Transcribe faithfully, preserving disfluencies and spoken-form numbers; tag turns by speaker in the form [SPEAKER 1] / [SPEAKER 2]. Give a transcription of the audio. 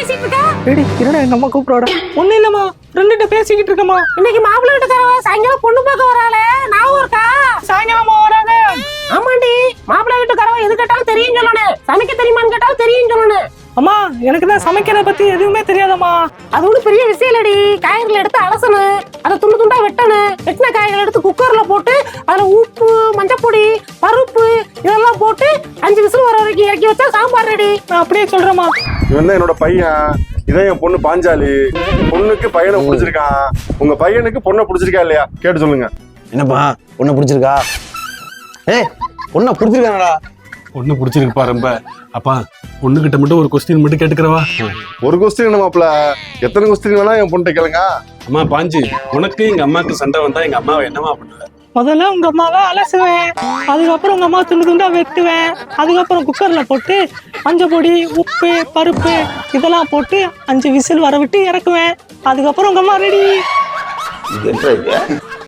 [SPEAKER 1] பேசிட்டு இருக்க?
[SPEAKER 2] ஏடி என்னடா எங்க அம்மா கூப்பிடுறா? ஒண்ணு இல்லம்மா, ஃப்ரெண்ட்ட பேசிக்கிட்டு இருக்கமா.
[SPEAKER 1] இன்னைக்கு மாப்பிள்ளை வீட்டுக்காரவ சாயங்காலம் பொண்ணு பார்க்க வராளே, ஞாபகம் இருக்கா?
[SPEAKER 2] சாயங்காலமா வராங்க.
[SPEAKER 1] ஆமாண்டி, மாப்பிள்ளை வீட்டுக்காரவ எது கேட்டாலும் தெரியும் சொல்லணும், சமைக்க தெரியுமான்னு கேட்டாலும் தெரியும் சொல்லணும்.
[SPEAKER 2] அம்மா எனக்கு தான் சமைக்கிறத பத்தி எதுவுமே தெரியாதம்மா.
[SPEAKER 1] அது ஒண்ணு பெரிய விஷயம் இல்லடி. காய்கறிகள் எடுத்து அலசணும், அதை துண்டு துண்டா வெட்டணும், வெட்டின காய்கறிகள் எடுத்து குக்கர்ல போட்டு அதுல உப்பு, மஞ்சப்பொடி, பருப்பு இதெல்லாம் போட்டு அஞ்சு விசில் வர வரைக்கும் இறக்கி வச்சா சாம்பார் ரெடி.
[SPEAKER 2] நான் அப்படியே சொல்றேம்மா.
[SPEAKER 3] இவன் தான் என்னோட பையன், இதான் என் பொண்ணு பாஞ்சாலி. பொண்ணுக்கு பையனை பிடிச்சிருக்கான். உங்க பையனுக்கு பொண்ணை பிடிச்சிருக்கா இல்லையா கேட்டு சொல்லுங்க.
[SPEAKER 4] என்னப்பா பொண்ணை பிடிச்சிருக்கா? ஏய் பொண்ணை பிடிச்சிருக்கானடா?
[SPEAKER 5] பொண்ணு பிடிச்சிருக்குப்பா ரொம்ப. அப்பா பொண்ணுகிட்ட மட்டும் ஒரு கொஸ்டின் மட்டும் கேட்டுக்கிறவா?
[SPEAKER 3] ஒரு கொஸ்டின் என்ன மாப்பிள, எத்தனை கொஸ்டின் வேணா என் பொண்ணு கேளுங்க.
[SPEAKER 5] அம்மா பாஞ்சு, உனக்கு எங்க அம்மாவுக்கு சண்டை வந்தா எங்க அம்மாவை என்னமா பண்ணுவ?
[SPEAKER 2] முதல்ல உங்க அம்மாவை அலசுவேன், அதுக்கப்புறம் உங்க அம்மா துண்டு துண்டா வெட்டுவேன், அதுக்கப்புறம் குக்கர்ல போட்டு மஞ்சள் பொடி, உப்பு, பருப்பு இதெல்லாம் போட்டு அஞ்சு விசில் வர விட்டு இறக்குவேன், அதுக்கப்புறம் உங்க அம்மா ரெடி.